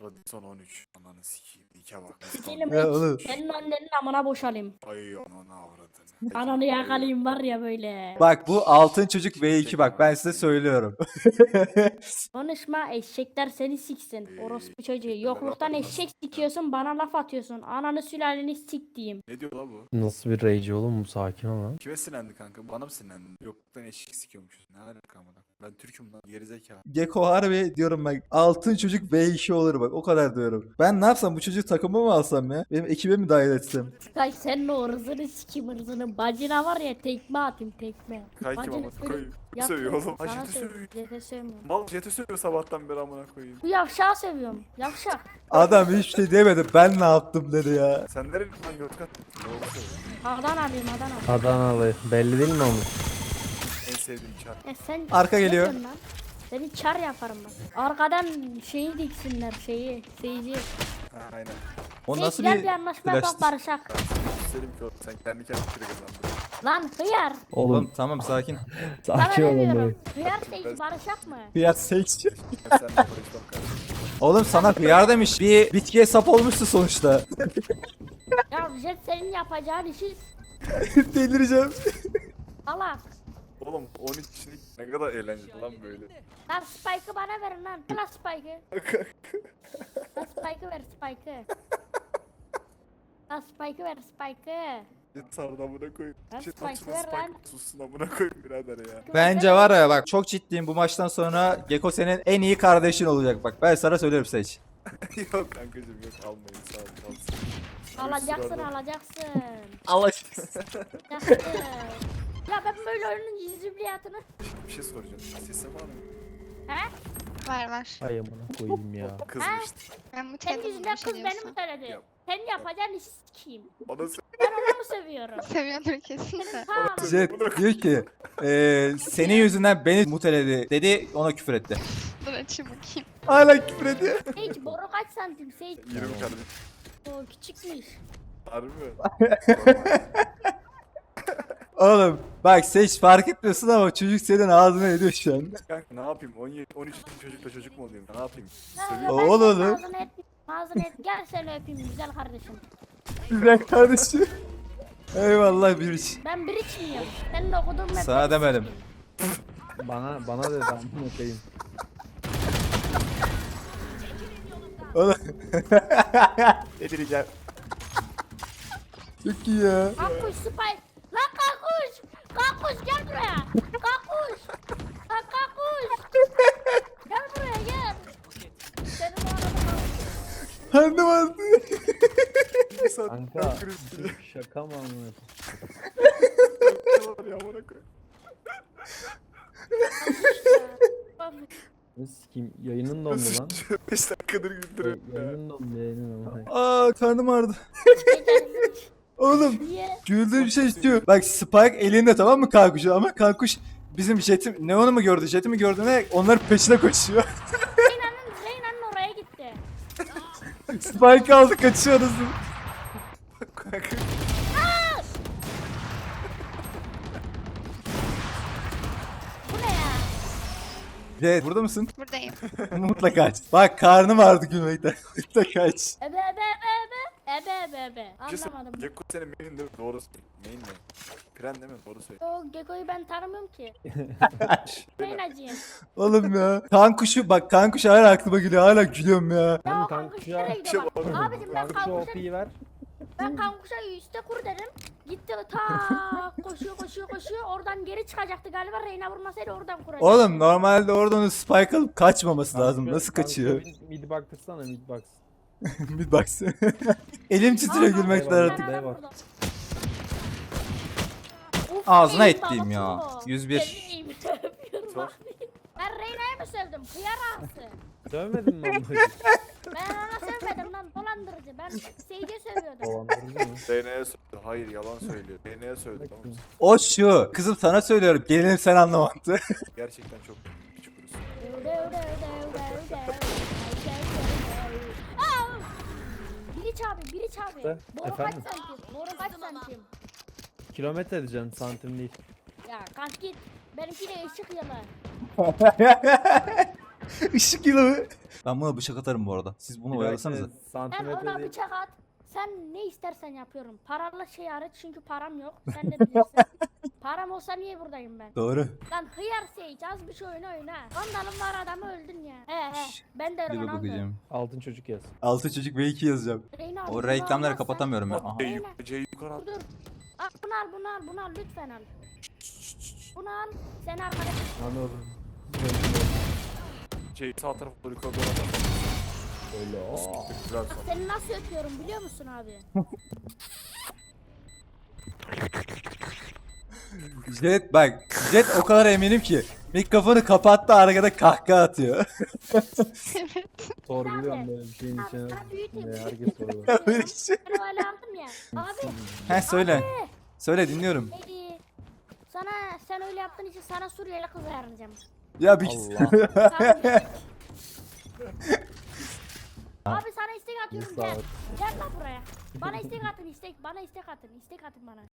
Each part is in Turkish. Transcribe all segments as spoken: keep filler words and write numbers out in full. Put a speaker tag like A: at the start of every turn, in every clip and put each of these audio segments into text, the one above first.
A: Radisson on üç. Ananı sikeyim. İke bak.
B: Sikelim
C: Ya oğlum.
B: senin annenin amına boşalayım.
A: Ay ananı avradını.
B: Ananı yakalayayım var ya böyle.
C: Bak bu altın çocuk V iki bak ben size söylüyorum.
B: Konuşma, eşekler seni siksin. Orospu çocuğu. Yokluktan eşek sikiyorsun, bana laf atıyorsun. Ananı sülaleni sik diyeyim.
A: Ne diyor la bu?
D: Nasıl bir rage oğlum bu, sakin ol lan.
A: Kime sinirlendi kanka? Bana mı sinirlendin? Yokluktan eşek sikiyormuşuz. Ne alaka amına? Ben Türk'üm lan. Gerizekalı.
C: Geko harbi diyorum bak altın çocuk V iki olur bak o kadar diyorum. Ben ne yapsam bu çocuğu takıma mı alsam ya? Benim ekibe mi dahil etsem?
B: Kay senin o ırzını sikim ırzını. Bacına var ya tekme atayım tekme.
A: Kay kim
B: Bacını
A: amına
B: öyle-
A: koyayım?
B: Yap-
A: Sövüyor oğlum.
B: Sana
A: Ajeti
B: sövüyorum.
A: sövüyor.
B: Jete sövmüyorum.
A: Mal jeti sövüyor sabahtan beri amına koyayım.
B: Bu yavşağı seviyorum. Yavşak.
C: Adam hiçbir şey demedi ben ne yaptım dedi ya.
A: Sen nereye lan Yozgat? Ne oldu söyle.
B: Adanalıyım Adana.
D: Adanalı. Belli değil mi oğlum?
A: En sevdiğim çar.
B: E sen
C: Arka
B: ne
C: geliyor.
B: diyorsun lan? Seni çar yaparım ben. Arkadan şeyi diksinler şeyi. Seyirci.
A: Ha aynen.
C: O nasıl
B: Gel
C: bir
B: bir anlaşma yapalım
C: flash'tı?
B: barışak.
A: Selim ki oğlum sen kendi kendine kire kazandın.
B: Lan hıyar.
C: Oğlum
D: Oğlum
C: tamam sakin.
B: Sana
D: sakin
B: ne
D: ol oğlum.
B: diyorum? Hıyar seyirci barışak mı?
C: Fiyat seks.
A: Ben seninle barışmam kardeşim.
C: Oğlum sana hıyar demiş. Bir bitkiye sap olmuştu sonuçta.
B: Ya Jet senin yapacağın işi
C: Delireceğim.
B: salak.
A: Oğlum on üç kişilik ne kadar eğlenceli lan böyle.
B: Lan Spike'ı bana verin lan. Lan Spike'ı. Lan Spike'ı ver Spike'ı. Lan Spike'ı ver Spike'ı.
A: Git sardı amına koyayım.
B: Lan
A: Git
B: Spike
A: açma
B: ver
A: Spike
B: lan.
A: sussun amına koyayım birader ya.
C: Bence var ya bak çok ciddiyim bu maçtan sonra Geko senin en iyi kardeşin olacak bak ben sana söylüyorum seç.
A: Yok kankacım yok almayın sağ olun alsın.
B: Alacaksın
A: Sırada.
B: alacaksın.
C: Allah
B: Alacaksın. Ya ben böyle oyunun cizibliyatını.
A: Bir şey soracağım. Sesim var mı?
B: He?
E: Var var.
D: Ay amına koyayım ya.
A: Kızmıştı.
E: Ben bu
B: Senin
E: telefonla
B: yüzünden
E: bir şey
B: kız beni mi
E: diyorsun.
B: söyledi?
A: Yap.
B: Sen yapacağın işi sikeyim.
A: Bana sö-
B: Ben onu mu seviyorum?
E: Seviyordur kesin de.
B: Ha,
C: Jet diyor ki eee senin yüzünden beni muteledi dedi ona küfür etti.
E: Dur açayım bakayım.
C: Hala küfür ediyor.
B: Sage boru kaç santim Sage?
A: yirmi kardeşim.
B: O küçükmüş.
A: Harbi mi?
C: Oğlum bak seç fark etmiyorsun ama çocuk senin ağzına ediyor şu an.
A: Kanka ne yapayım? on yedi on üç çocukla çocuk mu olayım? Ne yapayım?
B: Ya,
A: Sövüyor.
B: ben
C: Oğlum.
B: senin Ağzını et. Ağzını et. Gel seni öpeyim güzel kardeşim.
C: Güzel kardeşim. Eyvallah bir iş.
B: Ben bir içmiyorum. Senin okuduğun mektep
C: Sana demedim.
B: sikeyim.
D: Bana bana dedi amına koyayım.
C: Oğlum. Delireceğim. Çok iyi ya.
B: Kankuş spy. Lan kankuş. Kankuş gel buraya. Kankuş. Lan kankuş. Gel buraya gel. Senin o arada kankuş.
C: Hanım aldı.
A: Bir saat
D: Kanka
A: ben kriz-
D: şaka mı amına
A: var ya amına koyayım.
D: Ne sikeyim, yayının dondu lan.
A: beş dakikadır güldürüyorum ya.
D: Yayının dondu, yayının amına koyayım.
C: Aa karnım ağrıdı. Oğlum
B: Niye?
C: güldüğüm bir şey istiyor. Bak Spike elinde tamam mı kankuşu ama kankuş bizim Jet'i Neon'u mu gördü Jet'i mi gördü ne onların peşine koşuyor.
B: Zeyna'nın Zeyna'nın oraya gitti.
C: Spike aldı kaçıyoruz.
A: Kanka
B: Bu ne ya?
C: Jet burada mısın?
E: Buradayım.
C: Mutlaka aç. Bak karnım ağrıdı gülmekten. Mutlaka aç.
B: Ebe ebe ebe ebe. Ebe ebe ebe.
A: bir şey
B: Anlamadım.
A: Gekko senin main değil mi? Doğru söyle. Main ne? Pren değil mi? Doğru söyle.
B: O Gekko'yu ben tanımıyorum ki. Zeynacıyım.
C: Oğlum ya. Kankuşu bak kankuş hala aklıma geliyor hala gülüyorum ya.
B: Ya
D: Hem
B: o kankuş
D: kankuşa-
B: nereye gidiyor bak.
A: Şey
B: Abicim ben
D: Kanka şu
B: kankuşa,
D: O P'yi ver.
B: ben kankuşa üstte kur dedim. Gitti ta koşuyor koşuyor koşuyor. Oradan geri çıkacaktı galiba. Reyna vurmasaydı oradan kuracak.
C: Oğlum normalde oradan onu Spike alıp kaçmaması lazım.
D: Kanka-
C: Nasıl kaçıyor?
D: kanka bir Mid baktırsana, mid box.
C: Bir baksana. Elim titriyor
B: Aa,
C: gülmekten
D: eyvallah.
C: artık.
B: ben adam
D: Eyvah.
B: vurdum. Of,
C: Ağzına
B: benim
C: ettiğim ya.
B: babası o.
C: yüz bir.
B: Seveyim, öpüyorum
A: Sor.
B: abi. Ben Reyna'yı mı sevdim? Kıyar ağası.
D: Dövmedin mi amına koyayım?
B: Ben ona sevmedim lan dolandırıcı. Ben Sage'e seviyordum.
D: Dolandırıcı mı?
A: Zeynep'e söyledi. Hayır yalan söylüyor. Zeynep'e söyledi tamam mı?
C: O şu. Kızım sana söylüyorum. Gelinim sen anlamadı.
A: Gerçekten çok küçük kurusu.
B: Aa! Biriç abi, Biriç abi.
D: De,
B: Boru
D: efendim?
B: kaç santim? Boru kaç santim?
D: Kilometre edeceksin, santim değil.
B: Ya kalk git. Benimki de ışık yalı.
C: Işık yılı. Ben buna bıçak atarım bu arada. Siz bunu oyalasanıza.
B: Sen ona
D: Santimetre değil.
B: bıçak at. Sen ne istersen yapıyorum. Paralı şey hariç çünkü param yok. Sen de bilirsin. Param olsa niye buradayım ben?
C: Doğru.
B: Lan hıyar Sage az bir şey oyna oyna. Vandalım var adamı öldün ya. He he. Ben de
C: Bir
B: Ronaldo.
C: bakacağım.
D: Altın çocuk yaz.
C: Altı çocuk ve iki yazacağım.
B: Reyna,
C: O
B: bunu
C: reklamları
B: almazsan-
C: kapatamıyorum ya. Aha.
A: C yuk- C yukarı at.
B: Dur dur. Al, bunu al bunu al bunu al lütfen al. Bunu al. Sen arkadaşın.
D: Anladım.
A: C sağ tarafa doğru yukarı doğru at.
D: Öyle o.
A: Güzel sağ.
B: Seni nasıl öpüyorum biliyor musun abi?
C: Jet bak. Jet o kadar eminim ki. Mikrofonu kapattı arkada kahkaha atıyor.
E: Evet.
D: Sorguluyorum böyle bir şeyin
B: Abi,
D: içine.
B: sana büyüteyim.
D: Ne, herkes soruyor.
C: Böyle şey.
B: Ben öyle aldım ya. Abi.
C: He söyle.
B: Abi.
C: Söyle dinliyorum.
B: Neydi? Sana sen öyle yaptığın için sana Suriyeli kız ayarlayacağım.
C: Ya bir
D: Allah.
B: Abi, abi sana istek atıyorum
D: Sağ
B: gel.
D: ol.
B: Gel lan buraya. Bana istek atın istek. Bana istek atın. İstek atın bana.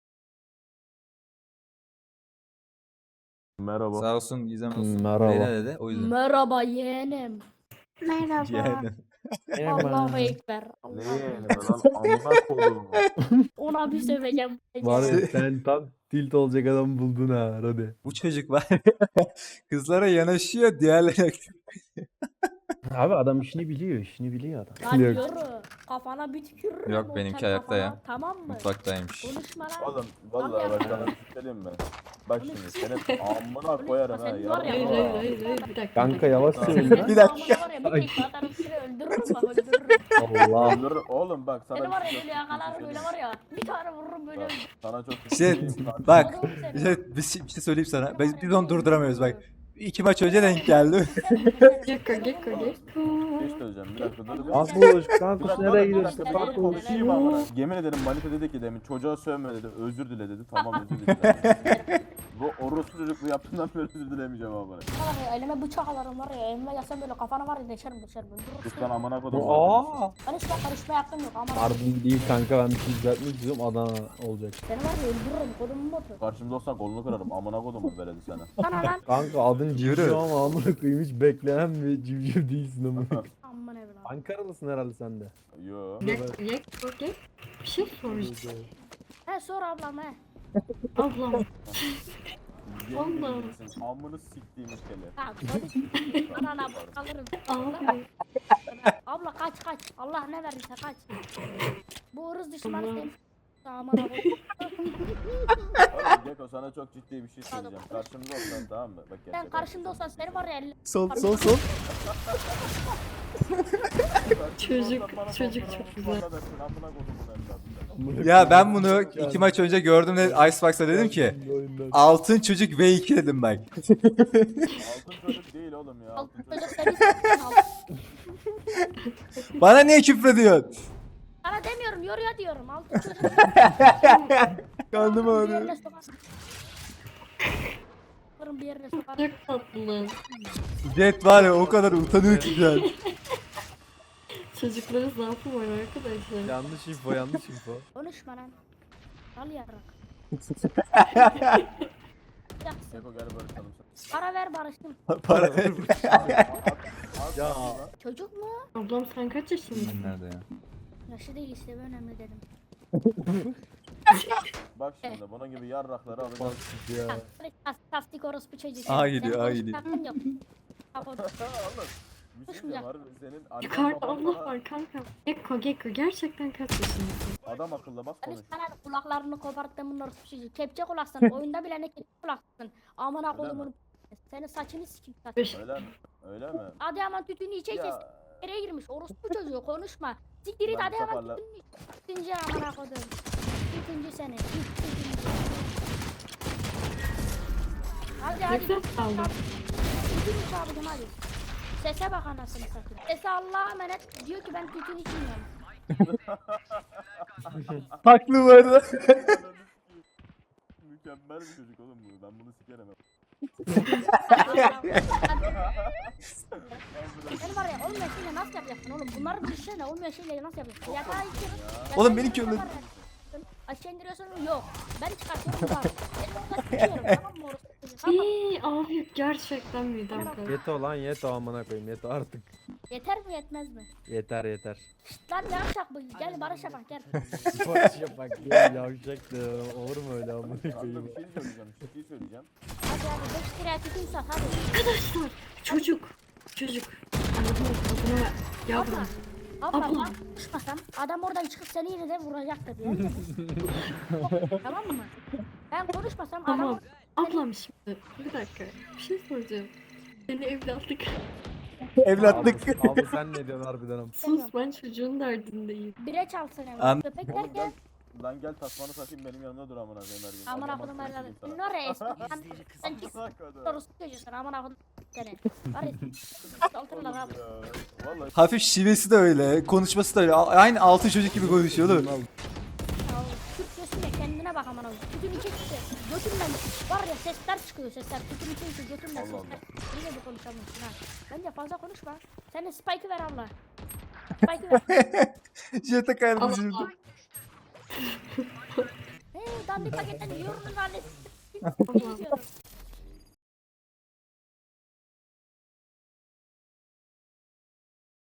F: Merhaba.
C: Sağ olsun Gizem olsun.
D: Hmm, merhaba.
C: Leyla dedi o yüzden.
B: Merhaba yeğenim.
E: Merhaba.
C: Yani.
B: Allahu Ekber.
F: Ne
B: Allahu
F: yeğeni
B: Ekber.
F: lan? Amına koduğum.
B: Ona bir söveceğim.
D: Var ya sen tam tilt olacak adam buldun ha hadi.
C: Bu çocuk var. Kızlara yanaşıyor diğerlerine.
D: Abi adam işini biliyor, işini biliyor adam.
B: Lan yürü. Kafana bir tükürürüm.
C: Yok,
B: o
C: benimki
B: tel
C: ayakta ya.
B: kafana, Tamam mı?
C: Mutfaktaymış.
B: Konuşma lan.
F: Oğlum vallahi bak sana bir şey söyleyeyim mi? Bak şimdi senin amına koyarım ha.
B: Senin var ya.
F: yarın
B: Hayır
F: var.
B: hayır hayır. Bir dakika.
D: Kanka yavaş
F: Tamam.
D: söyle.
C: Bir dakika.
B: Var ya bir tek atarım seni öldürürüm bak öldürürüm.
D: Allah.
F: Öldürür- Oğlum bak sana
B: Seni var ya
F: bir şey
B: böyle yakalarım böyle var ya. Bir tane vururum böyle
F: Bak,
B: öldürürüm.
F: sana çok
C: Jet
F: Bak,
C: bak.
B: Oğlum seni.
C: Jet bir şey, bir şey söyleyeyim sana. Biz, biz onu durduramıyoruz bak. İki maç önce denk geldi.
B: Gekko gekko gekko.
F: bir şey söyleyeceğim bir dakika dur. bir-
D: Kankuş,
F: Bir
D: kankuş
F: dakika,
D: nereye
F: bir
D: gidiyorsun?
F: dakika, ben konuşayım ama. Yemin ederim Manita dedi ki demin çocuğa sövme dedi, özür dile dedi. Tamam özür dilerim. Bu orospu çocuk bu yaptığından beri özür dilemeyeceğim ama.
B: Var ya elime bıçak alırım var ya elime yasam böyle kafana var ya deşerim deşerim öldürürüm.
F: Sus lan amına kodum.
D: Aa.
B: Karışma karışma hakkım yok ama.
D: Harbin değil kanka ben bir şey düzeltmek istiyorum Adana olacak.
B: Seni var ya öldürürüm kodumun botu.
F: Karşımda olsan kolunu kırarım. Amına kodum veledi sana.
B: Sana lan.
D: Kanka adın
C: Yürü.
D: civciv ama amına koyayım hiç beklenen bir civciv değilsin ama.
B: Aman evladım.
D: Ankaralısın herhalde sen de.
F: Yo.
G: Gel, gel, gel. Bir şey soracağım.
B: He sor ablam he.
G: Ablam,
F: Yemin
G: Allah'ım.
F: ederim, amını siktiğim kele.
B: Ha konuş. Anana alırım.
G: abi.
B: Abla kaç kaç. Allah ne verirse kaç. Bu ırız düşmanı
G: Allah.
B: senin. Aman abi.
F: Oğlum Geko sana çok ciddi bir şey söyleyeceğim. Karşımda olsan tamam mı? Bak
B: Sen
F: gerçekten.
B: karşımda olsan seni var ya elle.
C: Sol sol sol.
G: Çocuk, çocuk çok güzel.
C: Ya ben bunu iki maç önce gördüm de Icebox'a dedim ki altın çocuk V iki dedim bak.
F: Altın çocuk değil oğlum ya. Altın
B: Altın
F: çocuk.
B: çocuk seni istiyorsun altın.
C: Bana niye küfrediyorsun?
B: Sana demiyorum yoruyor diyorum altın çocuk.
C: Karnım
B: Bir
C: ağrıyor.
B: yerine sokarsın. Alırım bir yerine sokarım.
G: Çok tatlı.
C: Jet var ya o kadar utanıyor ki şu an.
G: Çocukların zaafı var arkadaşlar.
D: Yanlış info yanlış info.
B: Konuşma lan. Al yarrak. Yaksın.
F: Geko gel barışalım.
B: Para ver barıştım.
C: Para ver.
D: Ya
B: Çocuk mu?
G: Ablam sen kaç yaşındasın?
C: Nerede ya?
B: Yaşı değil işte bu önemli dedim.
F: Bak şimdi bunun gibi yarrakları alacağız.
D: ya.
B: Tas, tasdik orospu çocuğu.
C: Aa,
B: Senin
C: gidiyor, aa,
B: konuşma
C: gidiyor.
B: hakkın yok. Kapat.
F: Oğlum. Bir şey diyeceğim harbi senin annen
G: Yukarıda
F: baban
G: Allah
F: falan
G: var kanka. Gekko, Gekko gerçekten kaç yaşındasın?
F: adam akıllı bak
B: Hani
F: konuş.
B: sana kulaklarını koparttığımın orospu çocuğu. Kepçe kulaksın. Oyunda bile ne kepçe kulaksın. Amına
F: Öyle
B: kodumun.
F: mi?
B: Senin saçını sikim saç.
G: Beş.
F: Öyle mi? Öyle mi?
B: Adıyaman tütünü içeceğiz.
F: Ya
B: Nereye girmiş? Orospu çocuğu konuşma. Siktir it
F: Ben
B: Adıyaman
F: toparla-
B: tütünü iç. Tütüncü amına kodum. Tütüncü seni. Tüt- Tütüncü. Hadi hadi.
G: Nefes aldım.
B: Tütün iç abicim hadi. Sese bak anasını satayım. Sese Allah'a emanet diyor ki ben tütün içmiyorum.
C: Haklı bu arada.
F: mükemmel bir çocuk oğlum bu. Ben bunu sikerim.
B: Sen var ya olmayan şeyle nasıl yapacaksın oğlum? Bunların bir şeyle olmayan şeyle nasıl yapacaksın? Yatağa içiyorsun.
C: Oğlum benimki öyle.
B: Aşağı indiriyorsun yok. Ben çıkartıyorum var. Ben orada tutuyorum tamam mı orası?
G: İyi abi gerçekten midem kalktı.
D: Yeto lan yeto amına koyayım yeto artık.
B: Yeter mi yetmez mi?
D: Yeter yeter.
B: Lan ne yapacak bu? Gel Barış bak gel.
D: Barış yapak ya yavşak da olur mu öyle amına
F: Kanka
D: koyayım.
F: bir şey söyleyeceğim. Bir şey söyleyeceğim.
B: Hadi hadi beş liraya tütün sat hadi.
G: Arkadaşlar çocuk. Çocuk. Anladın mı? Adına yavrum.
B: Abla
G: Abla.
B: ben konuşmasam adam oradan çıkıp seni yine de vuracaktı diye. Tamam mı? Ben konuşmasam
G: Tamam.
B: adam
G: Ablam şimdi. Bir dakika. Bir şey soracağım. Seni evlatlık.
C: Evlatlık.
D: Abi, abi sen ne diyorsun harbiden am.
G: Sus ben çocuğun derdindeyim.
B: bire çalsın hemen.
C: An-
B: Köpek
F: Oğlum
B: derken
F: gel. Lan gel tasmanı takayım benim yanımda dur amına koyayım her gün.
B: aman
F: Adam
B: akıllım
F: akıllı
B: herhalde.
F: söyleyeyim
B: Ne
F: sana.
B: oraya eskiden sen çık
F: Sakın.
B: sorusu çocuğusun aman akıllım seni. Var ya. Saltırlar abi.
F: Ya, Vallahi
C: Hafif şivesi de öyle. Konuşması da öyle. A- Aynı altı çocuk gibi konuşuyor oğlum.
B: Ya Türkçesine kendine bak aman akıllım. Tütün içi çıktı. Götümden var ya sesler çıkıyor sesler. Tütün içi çıktı götümden
F: Allah
B: sesler. Yine de konuşamıyorsun ha. Bence fazla konuşma. Sen de Spike'ı ver abla. Spike'ı ver.
C: Jete kardeşim.
G: Allah.
B: Hey dandik paketten yiyorum annesi.
G: Allah.
B: Yiyorum.